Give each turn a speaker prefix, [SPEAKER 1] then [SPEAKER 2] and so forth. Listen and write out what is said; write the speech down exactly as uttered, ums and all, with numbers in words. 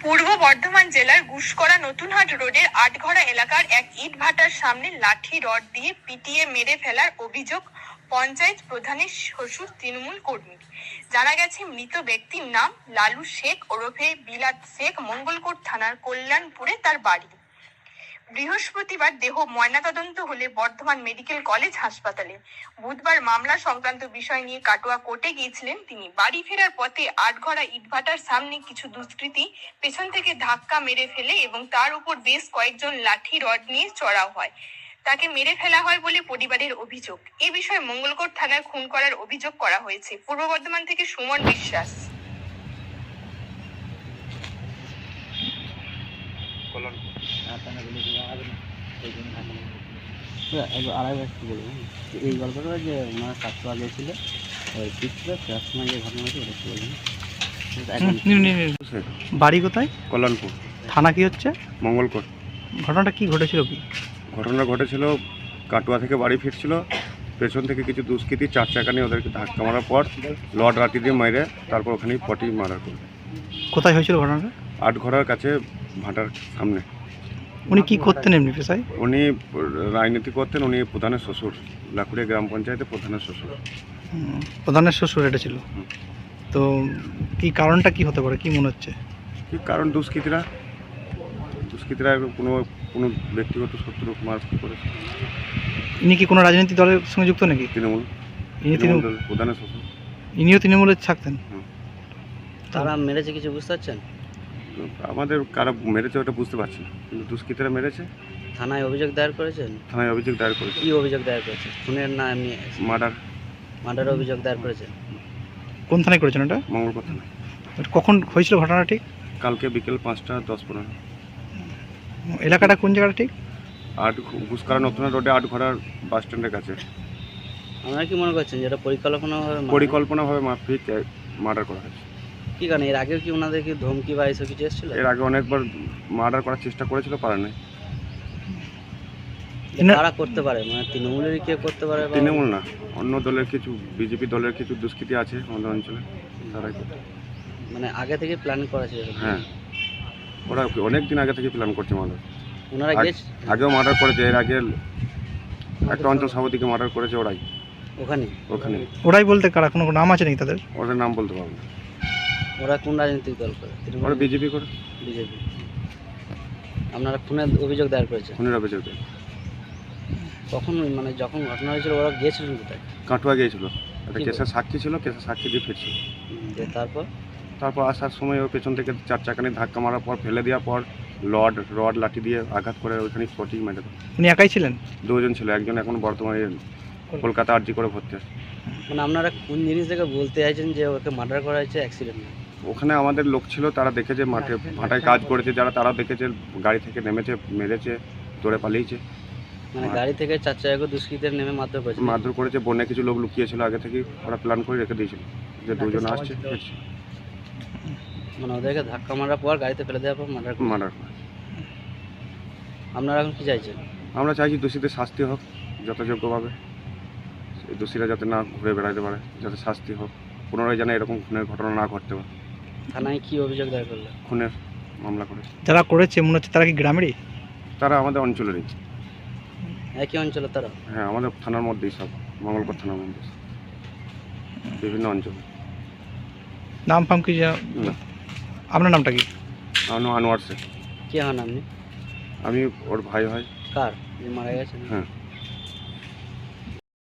[SPEAKER 1] পূর্ব বর্ধমান জেলার গুসকরা নতুনহাট রোডের আটঘরা এলাকার এক ইট ভাটার সামনে লাঠি রড দিয়ে পিটিয়ে মেরে ফেলার অভিযোগ পঞ্চায়েত প্রধানের শ্বশুর তৃণমূল কর্মী। জানা গেছে, মৃত ব্যক্তির নাম লালু শেখ ওরফে বিলাত শেখ, মঙ্গলকোট থানার কল্যাণপুরে তার বাড়ি। বৃহস্পতিবার দেহ ময়নাতদন্ত হলে বর্ধমান মেডিকেল কলেজ হাসপাতালে। বুধবার মামলা সংক্রান্ত বিষয় নিয়ে কাটোয়া কোর্টে গিয়েছিলেন তিনি। বাড়ি ফেরার পথে আটঘরা ইটভাটার সামনে কিছু দুষ্কৃতী পেছন থেকে ধাক্কা মেরে ফেলে এবং তার উপর বেশ কয়েকজন লাঠি রড নিয়ে চড়াও হয়। তাকে মেরে ফেলা হয় বলে পরিবারের অভিযোগ। এ বিষয়ে মঙ্গলকোট থানায় খুন করার অভিযোগ করা হয়েছে। পূর্ব বর্ধমান থেকে সুমন বিশ্বাস।
[SPEAKER 2] এই গল্পটা যে ওনারা কাটোয়া গিয়েছিল ঠিক ছিল তার সময় যে ঘটনা হয়েছে ওটা বলবেন।
[SPEAKER 3] বাড়ি কোথায়?
[SPEAKER 4] কল্যাণপুর।
[SPEAKER 3] থানা কি হচ্ছে?
[SPEAKER 4] মঙ্গলকোট।
[SPEAKER 3] ঘটনাটা কি ঘটেছিল? কি
[SPEAKER 4] ঘটনা ঘটেছিল, কাটোয়া থেকে বাড়ি ফিরছিল, পেছন থেকে কিছু দুষ্কৃতী চার চাকা নিয়ে ওদেরকে ধাক্কা মারার পর লড রাতি দিয়ে মেরে তারপর ওখানেই পটি মারা করে।
[SPEAKER 3] কোথায় হয়েছিল ঘটনাটা?
[SPEAKER 4] আটঘরার কাছে ভাটার সামনে।
[SPEAKER 3] উনি কি করতেন এমনি পেশায়?
[SPEAKER 4] উনি রাজনীতি করতেন, উনি প্রধানের শ্বশুর, লাকুড়িয়া গ্রাম পঞ্চায়েতে প্রধানের শ্বশুর।
[SPEAKER 3] প্রধানের শ্বশুর এটা ছিল। তো কি কারণটা কি হতে পারে, কি মনে হচ্ছে?
[SPEAKER 4] কি কারণ? দুষ্কৃতীরা দুষ্কৃতীরা কোনো কোনো ব্যক্তিগত শত্রু মারপিট করেছে।
[SPEAKER 3] ইনি কি কোনো রাজনৈতিক দলের সঙ্গে যুক্ত নাকি?
[SPEAKER 4] তৃণমূল।
[SPEAKER 3] ইনি তৃণমূল
[SPEAKER 4] প্রধানের শ্বশুর।
[SPEAKER 3] ইনিও তৃণমূলে থাকতেন।
[SPEAKER 2] তারা মেরেছে কিছু বুঝতে পারছেন?
[SPEAKER 4] আমাদের কারা মেরেছে ওটা বুঝতে পারছি না, কিন্তু দুষ্কৃতীরা মেরেছে।
[SPEAKER 2] থানায় অভিযোগ দায়ের করেছেন?
[SPEAKER 4] থানায় অভিযোগ দায়ের করেছে।
[SPEAKER 2] কি অভিযোগ দায়ের করেছে? খুনের না এমনি
[SPEAKER 4] মার্ডার?
[SPEAKER 2] মার্ডার অভিযোগ দায়ের করেছেন।
[SPEAKER 3] কোন থানায় করেছেন এটা?
[SPEAKER 4] মঙ্গলকোট থানায়।
[SPEAKER 3] কখন হয়েছিল ঘটনা ঠিক?
[SPEAKER 4] কালকে বিকেল পাঁচটা দশ পনেরো।
[SPEAKER 3] এলাকাটা কোন জায়গাটা ঠিক?
[SPEAKER 4] আট গুসকরা নতুন রোডে আটঘরার বাস স্ট্যান্ডের কাছে।
[SPEAKER 2] আপনারা কি মনে করছেন যেটা পরিকল্পনাভাবে
[SPEAKER 4] পরিকল্পনাভাবে মাফিক মার্ডার করা হয়েছে?
[SPEAKER 2] কি কারণে? এর আগেও কি ওনাদের কি ধমকি বা এসব কিছু এসেছিল?
[SPEAKER 4] এর আগে অনেকবার মার্ডার করার চেষ্টা করেছিল, পারে নাই।
[SPEAKER 2] কারা করতে পারে? মানে তৃণমূলেরই কেউ করতে পারে?
[SPEAKER 4] তৃণমূল না, অন্য দলের কিছু, বিজেপি দলের কিছু দুষ্কৃতী আছে আমাদের অঞ্চলে, তারাই করতে।
[SPEAKER 2] মানে আগে থেকে প্ল্যান করা ছিল?
[SPEAKER 4] হ্যাঁ, ওরা অনেক দিন আগে থেকে প্ল্যান করছে মার্ডার।
[SPEAKER 2] ওনারা গেছে
[SPEAKER 4] আগেও মার্ডার করেছে, এর আগে একটা অঞ্চল সভাপতিকে মার্ডার করেছে ওরাই।
[SPEAKER 2] ওখানে
[SPEAKER 4] ওখানে
[SPEAKER 3] ওরাই বলতে কারা? কোনো নাম আছে নাকি তাদের?
[SPEAKER 4] ওদের নাম বলতে পারবো না।
[SPEAKER 2] ওরা কোন রাজনৈতিক দল করে?
[SPEAKER 4] ওরা বিজেপি করে।
[SPEAKER 2] বিজেপি। আপনারা খুনের অভিযোগ দায়ের করেছেন?
[SPEAKER 4] খুনের অভিযোগ দেয়।
[SPEAKER 2] কখন মানে যখন ঘটনা হয়েছিল ওরা গিয়েছিলেন কোথায়?
[SPEAKER 4] কাটোয়া গিয়েছিল, একটা কেসের সাক্ষী ছিল, কেসের সাক্ষী দিয়ে ফিরছিল।
[SPEAKER 2] তারপর
[SPEAKER 4] তারপর আসার সময় ওর পেছন থেকে চার চাকা নিয়ে ধাক্কা মারার পর ফেলে দেওয়ার পর লড রড লাঠি দিয়ে আঘাত করে ওইখানে স্পটিং মেরে দেয়।
[SPEAKER 3] উনি একাই ছিলেন?
[SPEAKER 4] দুজন ছিল, একজন এখন বর্তমানে কলকাতা আরজি করে ভর্তি আছে।
[SPEAKER 2] মানে আপনারা কোন জিনিস থেকে বলতে চাইছেন যে ওকে মার্ডার করা হয়েছে অ্যাক্সিডেন্ট?
[SPEAKER 4] ওখানে আমাদের লোক ছিল, তারা দেখেছে মাঠে ভাটায় কাজ করেছে যারা, তারা দেখেছে গাড়ি থেকে নেমেছে, মেরেছে, দৌড়ে পালিয়েছে।
[SPEAKER 2] মানে গাড়ি থেকে চার চাকা দুষ্কৃতীরা নেমে মারধর করেছে?
[SPEAKER 4] মারধর করেছে। বনে কিছু লোক লুকিয়েছিল আগে থেকে, ওরা প্ল্যান করে রেখে দিয়েছিল যে দুজন আসছে।
[SPEAKER 2] মানে ওদেরকে ধাক্কা মারার পর গাড়িতে ফেলে দেওয়ার পর মার্ডার
[SPEAKER 4] মার্ডার।
[SPEAKER 2] আপনারা এখন কি চাইছেন?
[SPEAKER 4] আমরা চাইছি দোষীদের শাস্তি হোক যথাযোগ্যভাবে, এই দোষীরা যাতে না ঘুরে বেড়াতে পারে, যাতে শাস্তি হোক, পুনরায় যেন এরকম খুনের ঘটনা না ঘটতে পারে।
[SPEAKER 2] থানায় কি অভিযোগ দায়ের করলো?
[SPEAKER 4] খুনের মামলা করেছে।
[SPEAKER 3] যারা করেছে মনে হচ্ছে তারা কি গ্রামেরই?
[SPEAKER 4] তারা আমাদের অঞ্চলেরই।
[SPEAKER 2] একই অঞ্চলে তারা?
[SPEAKER 4] হ্যাঁ, আমাদের থানার মধ্যেই সব, মঙ্গলকোট থানার মধ্যে বিভিন্ন অঞ্চল।
[SPEAKER 3] নাম ফাম কি?
[SPEAKER 4] না।
[SPEAKER 3] আপনার নামটা কি?
[SPEAKER 4] আনোয়ার শেখ।
[SPEAKER 2] কে হন আপনি?
[SPEAKER 4] আমি ওর ভাই হয়।
[SPEAKER 2] কার যে মারা গেছেন?
[SPEAKER 4] হ্যাঁ।